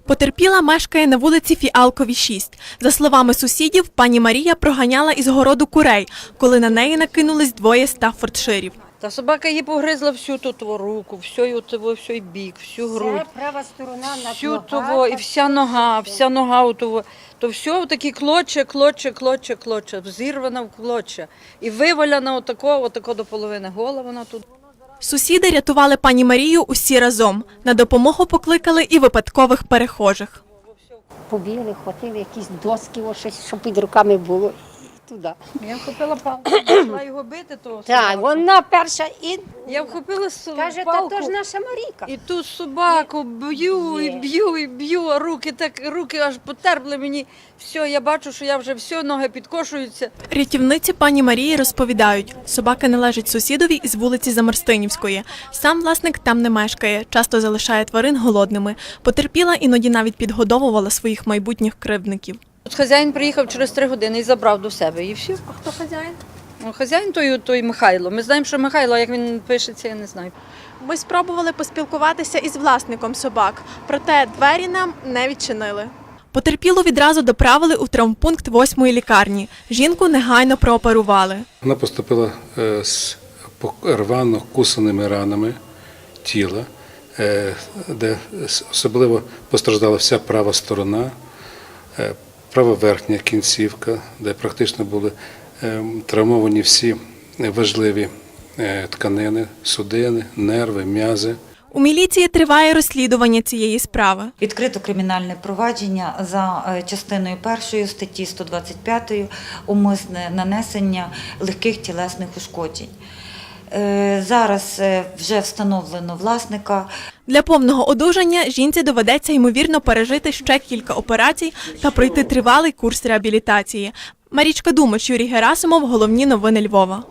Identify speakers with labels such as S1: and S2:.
S1: Потерпіла мешкає на вулиці Фіалковій, 6. За словами сусідів, пані Марія проганяла із городу курей, коли на неї накинулись двоє стаффордширів.
S2: Та собака її погризла всю тут руку, всю бік, всю грудь.
S3: Це права сторона на
S2: Всю того, і вся нога у того. То все такі клоче, зірвана в клоче. І виваляна отако до половини гола вона тут.
S1: Сусіди рятували пані Марію усі разом. На допомогу покликали і випадкових перехожих.
S3: Побігли, хватили якісь доски, щось, щоб під руками було. Туди.
S2: Я вхопила палку, почала його бити.
S3: Так, вона перша і
S2: Я вхопила
S3: каже,
S2: палку.
S3: та то ж наша Марійка.
S2: І ту собаку б'ю, а руки аж потерпли мені. Все, я бачу, що я вже все, ноги підкошуються.
S1: Рятівниці пані Марії розповідають, собака належить сусідові із вулиці Замарстинівської. Сам власник там не мешкає, часто залишає тварин голодними. Потерпіла, іноді навіть підгодовувала своїх майбутніх кривдників.
S2: От хазяїн приїхав через 3 години і забрав до себе, і все.
S1: А хто хазяїн?
S2: Ну, хазяїн той Михайло. Ми знаємо, що Михайло, а як він пишеться, я не знаю.
S1: Ми спробували поспілкуватися із власником собак, проте двері нам не відчинили. Потерпілу відразу доправили у травмпункт 8-ї лікарні. Жінку негайно прооперували.
S4: Вона поступила з рвано кусаними ранами тіла, де особливо постраждала вся права сторона, права верхня кінцівка, де практично були травмовані всі важливі тканини, судини, нерви, м'язи.
S1: У міліції триває розслідування цієї справи.
S5: Відкрито кримінальне провадження за частиною 1 статті 125 умисне нанесення легких тілесних ушкоджень. Зараз вже встановлено власника.
S1: Для повного одужання жінці доведеться, ймовірно, пережити ще кілька операцій та пройти тривалий курс реабілітації. Марічка Думач, Юрій Герасимов. Головні новини Львова.